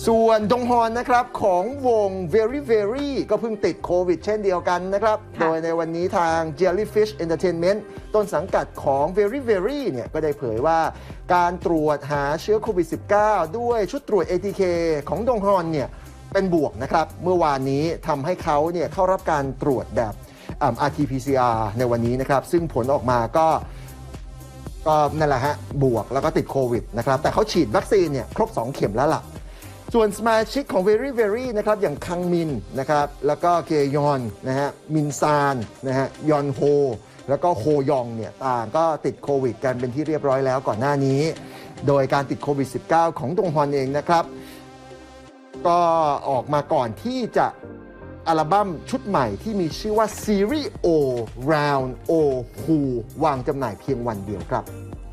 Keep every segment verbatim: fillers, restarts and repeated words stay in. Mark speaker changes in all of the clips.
Speaker 1: ส่วนดงฮอนนะครับของวง Very Very ก็เพิ่งติดโควิดเช่นเดียวกันนะครับโดยในวันนี้ทาง Jellyfish Entertainment ต้นสังกัดของ Very Very เนี่ยก็ได้เผยว่าการตรวจหาเชื้อโควิด สิบเก้า ด้วยชุดตรวจ เอ ที เค ของดงฮอนเนี่ยเป็นบวกนะครับเมื่อวานนี้ทำให้เขาเนี่ยเข้ารับการตรวจแบบ อาร์ ที พี ซี อาร์ ในวันนี้นะครับซึ่งผลออกมาก็ก็นั่นแหละฮะบวกแล้วก็ติดโควิดนะครับแต่เขาฉีดวัคซีนเนี่ยครบสองเข็มแล้วล่ะส่วนสมาชิกของ Very Very นะครับอย่างคังมินนะครับแล้วก็เกยอนนะฮะมินซานนะฮะยอนโฮแล้วก็โฮยองเนี่ยต่างก็ติดโควิดกันเป็นที่เรียบร้อยแล้วก่อนหน้านี้โดยการติดโควิด สิบเก้า ของดงฮอนเองนะครับก็ออกมาก่อนที่จะอัลบั้มชุดใหม่ที่มีชื่อว่า Series O Round O Who วางจำหน่ายเพียงวันเดียวครับ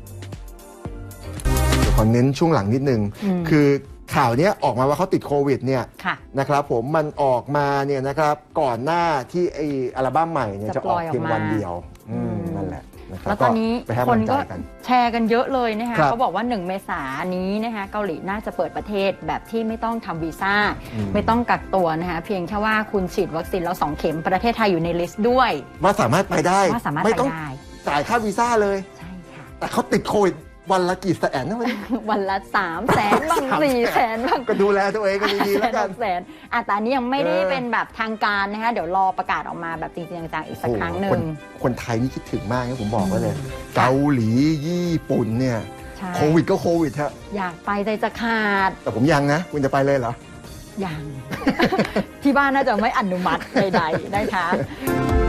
Speaker 1: เดี๋ยวขอเน้นช่วงหลังนิดนึงคือข่าวนี้ออกมาว่าเขาติดโควิดเนี่ยนะครับผมมันออกมาเนี่ยนะครับก่อนหน้าที่ไออัลบั้มใหม่เนี่ยจะออกเพียงวันเดียวนั่นแหละ
Speaker 2: แล้วตอนนี้คนก็แชร์กันเยอะเลยนะคะเขาบอกว่าหนึ่งเมษายนนี้นะคะเกาหลีน่าจะเปิดประเทศแบบที่ไม่ต้องทำวีซ่าไม่ต้องกักตัวนะคะเพียงแค่ว่าคุณฉีดวัคซีนแล้วสองเข็มประเทศไทยอยู่ในลิสต์ด้วย
Speaker 1: ว่าสามารถไปได้
Speaker 2: ว่าสามารถ
Speaker 1: ไม่
Speaker 2: ไป
Speaker 1: ต้องจ่ายค่าวีซ่าเลย
Speaker 2: ใช่ค่ะ
Speaker 1: แต่เขาติดโควิดวันละกี่แสนนะวัน
Speaker 2: วันละสามแสนบ้างสี่แสนบ้าง
Speaker 1: ก็ดูแลตัวเองก็ดีๆแล้วกัน
Speaker 2: แสนอ่ะแต่อันนี้ยังไม่ได้เป็นแบบทางการนะคะเดี๋ยวรอประกาศออกมาแบบจริงๆจังๆอีกสักครั้งหนึ่ง
Speaker 1: คนไทยนี่คิดถึงมากนะผมบอกไว้เลยเกาหลีญี่ปุ่นเนี่ยโควิดก็โควิดฮะ
Speaker 2: อยากไปใจจะขาด
Speaker 1: แต่ผมยังนะคุณจะไปเลยเหรอ
Speaker 2: ยังที่บ้านน่าจะไม่อนุมัติใดๆนะคะ